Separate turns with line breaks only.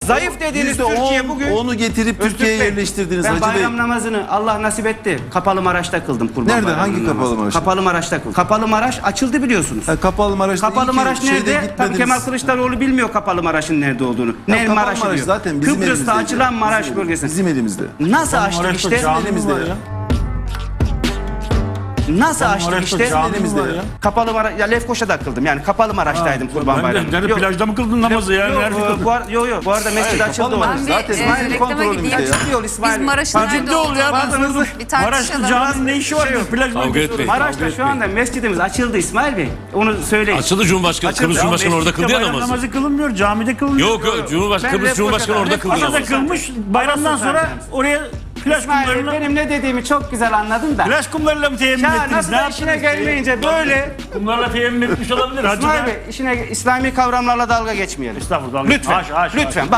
Zayıf dediğiniz Türkiye bugün...
Onu getirip Türkiye'ye yerleştirdiniz
Ben
Hacı Bey.
bayram namazını Allah nasip etti. Kapalı Maraş'ta kıldım Kurban
Nerede?
Bayramı'nın
Hangi
namazını.
Kapalı Maraş'ta?
Kapalı Maraş'ta kıldım. Kapalı Maraş açıldı biliyorsunuz.
Kapalı Maraş'ta
Kapalı Maraş nerede? Tabii Kemal
Kılıçdaroğlu
Kılıçdaroğlu bilmiyor Kapalı Maraş'ın nerede olduğunu. Ne
Kapalı
Maraş'ı
Maraş
diyor.
zaten bizim
Kıbrıs'ta
elimizde.
açılan Maraş bölgesi.
Bizim elimizde.
Nasıl açtık
Maraş'ta
işte?
cami
elimizde
var
ya.
Nasıl açtık
Maraş'ta
işte?
cami
elimizde
var
ya.
ya.
Kapalı Maraş, ya Lefkoşa'da kıldım. Yani Kapalı Maraş'taydım Kurban
Ben de
Bayramı'nda.
nerede plajda mı kıldın namazı ya?
Yok,
Nerede kıldın?
bu arada mescid açıldı.
Kapalı Maraş
orası.
zaten
İsmail'in
reklama
kontrolünde
gideyim.
ya. Çıkıyor İsmail.
Biz Maraş'ın nerede
Ciddi ol ya.
olduğunu
Ben
bir
Maraş'ta
tartışalım.
caminin ne işi var? Plaj
Kavga etmeyin.
Maraş'ta şu anda mescidimiz açıldı İsmail Bey. Onu söyleyin.
Açıldı Cumhurbaşkanı.
Açıldı.
Kıbrıs Cumhurbaşkanı orada kıldı ya
Bayram
namazı.
namazı kılınmıyor, camide kılınıyor.
Yok yok Cumhurbaşkanı,
Ben
Kıbrıs Cumhurbaşkanı orada kıldı
Adada
namazı.
kılmış, bayramdan sonra oraya plaj
İsmail Bey
kumlarına...
benim ne dediğimi çok güzel anladın da.
Plaj kumlarıyla mı teyemmüm
Ya
ettiniz?
nasıl
Ne
da işine
yaptınız?
gelmeyince böyle.
Kumlarla teyemmüm etmiş olabilir. Hacı
İsmail
Bey.
Bey işine İslami kavramlarla dalga geçmeyelim.
Estağfurullah.
Lütfen.
Haş, haş,
Lütfen.
haş.